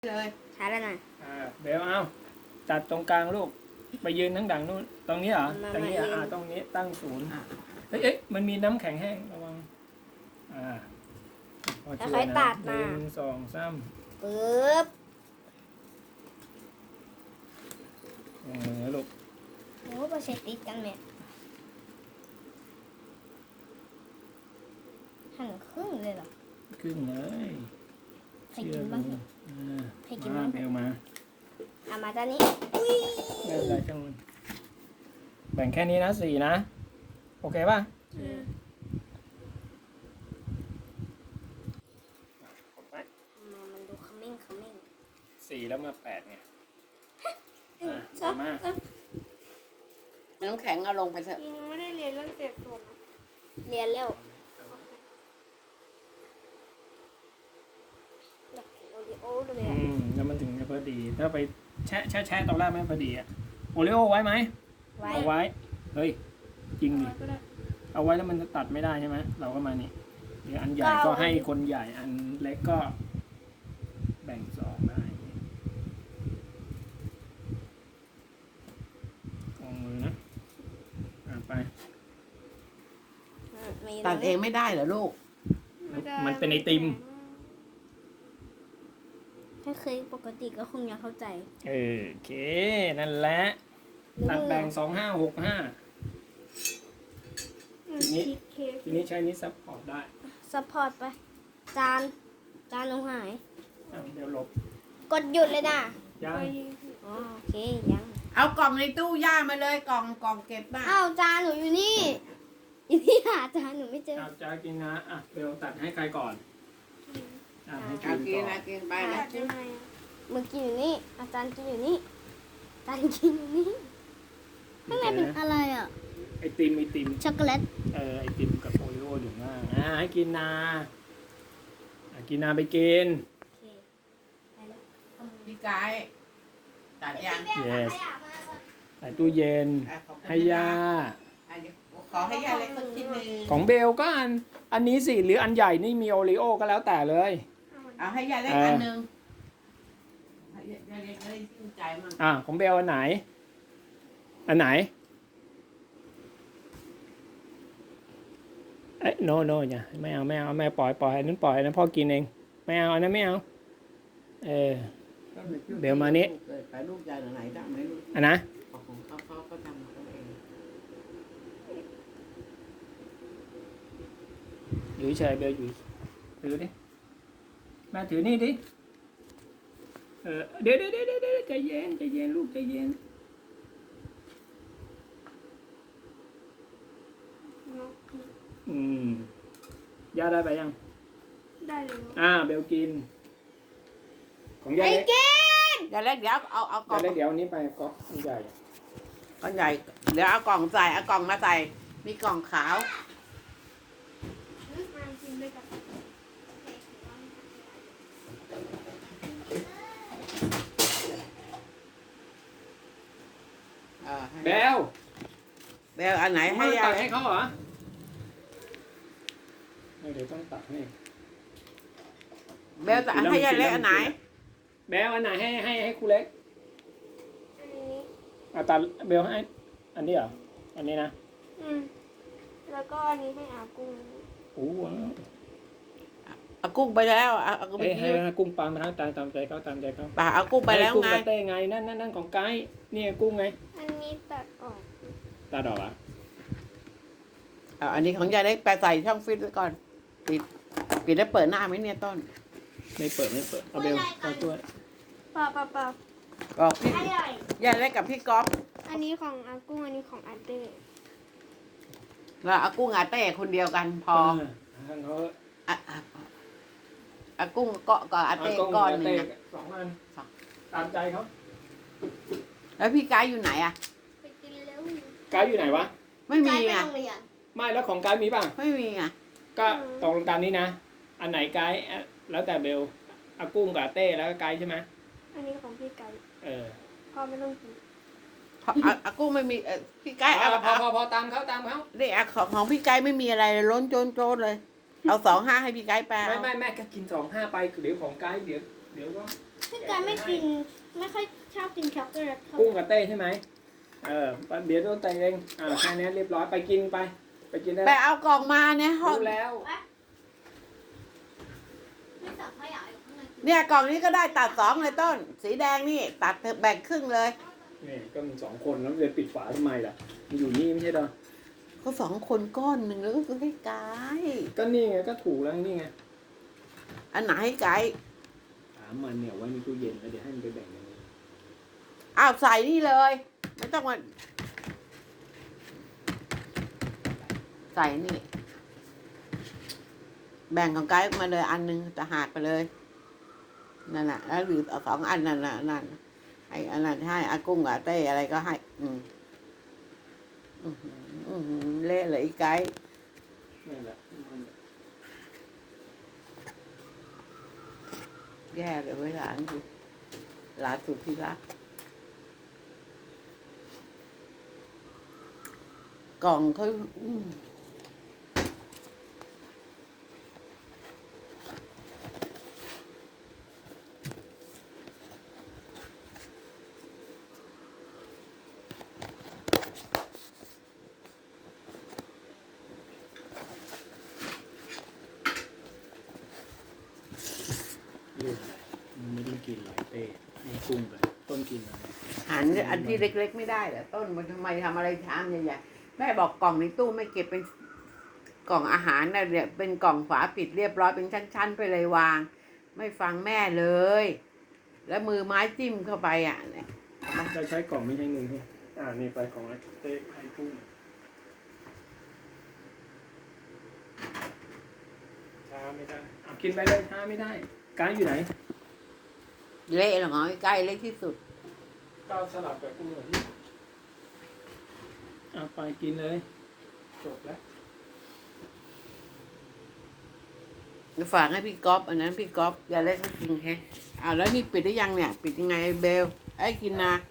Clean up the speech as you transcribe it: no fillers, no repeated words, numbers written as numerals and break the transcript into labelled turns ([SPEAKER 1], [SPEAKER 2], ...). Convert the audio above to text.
[SPEAKER 1] เลย
[SPEAKER 2] ใช้แล้วนะ
[SPEAKER 3] เบลเอาตัดตรงกลางลูกไปยืนทั้งดังนู่นตรงนี้เหรอตรงนี้ตรงนี้ตั้งศูนย์เฮ้ยมันมีน้ำแข็งแห้งระวังพอช่วยนะ1 2 3
[SPEAKER 2] ปึ๊บ
[SPEAKER 3] ลูก
[SPEAKER 2] โอ้โหเสร็จติดกันเนี่ยหั่นครึ่งเลยเหรอ
[SPEAKER 3] ครึ่งเลย
[SPEAKER 2] ใครกินบ้างใครกินบ้าง
[SPEAKER 3] เบลมา
[SPEAKER 2] มาด้านนี้
[SPEAKER 3] ไม่เป็นไรจังมันแบ่งแค่นี้นะ4นะโอเคป่ะ
[SPEAKER 2] มันดูขมิ้น
[SPEAKER 3] 4แล้วมา8ไงมา
[SPEAKER 1] น้ำแข็งเอาลงไปเถอะ
[SPEAKER 4] ยังไม่ได้เรียนเรื่องเศษส่วน
[SPEAKER 2] เรียนแล้วโอริโอ้เลย
[SPEAKER 3] แล้วมันถึงจะพอดีถ้าไปแช่ตอนแรกไม่พอดีอะโอริโอไว้ไหมเอาไว้เฮ้ยจริงดิเอาไว้แล้วมันจะตัดไม่ได้ใช่ไหมเราก็มานี่เดี๋ยวอันใหญ่ก็ให้คนใหญ่อันเล็กก็แบ่ง2ได้ลงมือนะไป
[SPEAKER 1] ตัดเองไม่ได้เหรอลูก
[SPEAKER 3] มันเป็นไอติม
[SPEAKER 2] ถ้าเคยปกติก็คงยังเข้าใจ
[SPEAKER 3] โอเคนั่นแหละตัดแบ่ง2 5 6 5ทีนี้ใช้นี้ซัพพอร์ตได้
[SPEAKER 2] ซัพพอร์ตไปจานลงหาย
[SPEAKER 3] เดี๋ยวลบ
[SPEAKER 2] กดหยุดเลยนะ
[SPEAKER 3] ยัง
[SPEAKER 2] โอเคยัง
[SPEAKER 1] เอากล่องในตู้ย่ามาเลยกล่องเก็บบ้าง
[SPEAKER 2] จานหนูอยู่นี่หาจานหนูไม่เจอ
[SPEAKER 3] จานกินนะเบลตัดให้ใครก่อน
[SPEAKER 1] ให้กินไปนะ
[SPEAKER 2] เมื่อกี้อยู่นี่อาจารย์กินอยู่นี่จานกินอยู่นี่ข้างในเป็นอะไรอ่ะ
[SPEAKER 3] ไอติม
[SPEAKER 2] ช็อกโกแลต
[SPEAKER 3] ไอติมกับโอริโออยู่ข้างให้กินนากินนาไปกิน
[SPEAKER 1] พี่กายตัดยัง
[SPEAKER 3] yes ใส่ตู้เย็นให้ย่า
[SPEAKER 1] ขอให้ย่าเล็กสักชิ้นนึง
[SPEAKER 3] ของเบลก็อันนี้สิหรืออันใหญ่นี่มีโอริโอก็แล้วแต่เลย
[SPEAKER 1] เอาให้ย่าเล็กอันนึงย่าเล็กได้ชื่นใจมั่ง
[SPEAKER 3] ของเบลอันไหนโนอย่าไม่เอาแม่ปล่อยอันนั้นปล่อยอันนั้นพ่อกินเองไม่เอาอันนั้นไม่เอาเบลมานี้
[SPEAKER 1] ไปลูกใจไหนได้ไหมลูก
[SPEAKER 3] อันนะ
[SPEAKER 1] ของเขาก็ทำเขาเอง
[SPEAKER 3] อยู่เฉยเบลอยู่ถือดิแม่ถือนี่ดิเดี๋ยวใจเย็นลูกใจเย็นย่าได้ไปยัง
[SPEAKER 4] ได้เลย
[SPEAKER 3] เบลกินของย่าเล็ก
[SPEAKER 1] ย่าเล็กเดี๋ยวเอากล่อง
[SPEAKER 3] ย่าเล็กเดี๋ยวนี้ไปก็ใหญ่
[SPEAKER 1] เดี๋ยวเอากล่องใส่เอากล่องมาใส่มีกล่องขาว
[SPEAKER 3] เบล
[SPEAKER 1] อันไหนให้
[SPEAKER 3] ตัดให้เขาเหรอเดี๋ยวต้องตัดให้
[SPEAKER 1] เบลตัดให้ยายเล็กอันไหน
[SPEAKER 3] เบลอันไหนให้ครูเล็กตัดเบลให้อันนี้เหรออันนี้นะ
[SPEAKER 4] แล้วก็อันนี้ให้อากุ้ง
[SPEAKER 1] อากุ้งไปแล้ว
[SPEAKER 3] อากุ้งให้กุ้งปลามาทั้งตามใจเขา
[SPEAKER 1] ป่าอากุ้งไปแล้วไง
[SPEAKER 3] กุ้งเต้ไงนั่นของไก่นี่กุ้งไง
[SPEAKER 4] อันนี้ตัดออก
[SPEAKER 3] อ่ะ
[SPEAKER 1] อันนี้ของยายเล็กไปใส่ช่องฟิตไว้ก่อนปิดแล้วเปิดหน้าไหมเนี่ยต้น
[SPEAKER 3] ไม่เปิดเอาเบลเอาตัว
[SPEAKER 4] เปล่า
[SPEAKER 1] บอกพี่ยายเล็กกับพี่ก๊อฟ
[SPEAKER 4] อันนี้ของอากุ้งอันนี้ของอาเต้
[SPEAKER 1] แล้วอากุ้งอาเต้คนเดียวกันพออากุ้งเกาะกับอาเต้ก้อนนึง
[SPEAKER 3] 2 อันตามใจเขา
[SPEAKER 1] แล้วพี่กายอยู่ไหนอะ
[SPEAKER 4] ไปกินแล้ว
[SPEAKER 3] กายอยู่ไหนวะ
[SPEAKER 1] ไม่มีอ่ะ
[SPEAKER 3] ไม่แล้วของกายมีป่ะ
[SPEAKER 1] ไม่มีอ่ะ
[SPEAKER 3] ก็ตรงตามนี้นะอันไหนกายแล้วแต่เบลอากุ้งกับเต้แล้วก็กายใช่ไหม
[SPEAKER 4] อันนี้ของพี่กายพ่อไม่ต้องกิน
[SPEAKER 1] อากุ้งไม่มีพี่กาย
[SPEAKER 3] พอตามเขา
[SPEAKER 1] นี่ของพี่กายไม่มีอะไรล้นโจนเลยเอา2 5ให้พี่กายไป
[SPEAKER 3] ไม่แม่ก็กิน2 5ไปเดี๋ยวของกายเดี๋ยวก็
[SPEAKER 4] พี่การไม่กินไม่ค่อยชอบกินช็อกโกแลตเท่า
[SPEAKER 3] กุ้งกับเต้ใช่ไหมเดี๋ยวโดนเตะเองแค่นี้เรียบร้อยไปกินไปกินได้
[SPEAKER 1] ไปเอากล่องมาเนี่ยห้อง
[SPEAKER 3] รู้แล้ว
[SPEAKER 4] ไม่สับขยะอยู่ข้างใน
[SPEAKER 1] เนี่ยกล่องนี้ก็ได้ตัดสองเลยต้น สีแดงนี่ตัดแบ่งครึ่งเลย
[SPEAKER 3] นี่ก็มีสองคนแล้วจะปิดฝาทำไมล่ะมันอยู่นี่ไม่ใช่เหรอ
[SPEAKER 1] ก็สองคนก้อนหนึ่งแล้วก็คือให้ไกด์
[SPEAKER 3] ก็นี่ไงก็ถูกแล้วนี่ไง
[SPEAKER 1] อันไหนให้ไกด์
[SPEAKER 3] ถามมันเนี่ยไว้ในตู้เย็นแล้วเดี๋ยวให้มันไปแบ่งกัน
[SPEAKER 1] อ้าวใส่นี่เลย ไม่ต้องมาใส่นี่ แบ่งของไกด์ออกมาเลยอันหนึงจะหักไปเลยนั่นแหละแล้วหรือเอาสองอันนั่นน่ะนั่นให้อันนั้นให้อากุ้งกับเต้อะไรก็ให้ เละเลยไอ้ไกด์
[SPEAKER 3] นั่นแหละ
[SPEAKER 1] แย่เลยเว้ยหลานกูหลานสุดที่รักกล่องเขา
[SPEAKER 3] เรื่องอะไรมันไม่ได้กินหรอกเต้ให้กุ้งไปต้นกินอะไร
[SPEAKER 1] หันอันที่เล็กๆไม่ได้เหรอต้นมันทำไมทำอะไรชามใหญ่ๆแม่บอกกล่องในตู้ไม่เก็บเป็นกล่องอาหารนะเนี่ยเป็นกล่องฝาปิดเรียบร้อยเป็นชั้นๆไปเลยวาง ไม่ฟังแม่เลย แล้วมือไม้จิ้มเข้าไปอ่ะเนี่ย
[SPEAKER 3] จะใช้กล่องไม่ใช่เงินใช่นี่ไปของเต้ให้กุ้งช้าไม่ได้กินไปเลยช้าไม่ได้กายอยู่ไหน
[SPEAKER 1] เละหรอใกล้เละที่สุด
[SPEAKER 3] ก้าวสลับกับกุ้งเหรอที่ไปกินเลยจบแล้ว
[SPEAKER 1] ฝากให้พี่ก๊อฟอันนั้นพี่ก๊อฟอย่าเล่นก็กินแค่แล้วนี่ปิดได้ยังเนี่ย ปิดยังไงเบลไอ้กินนะ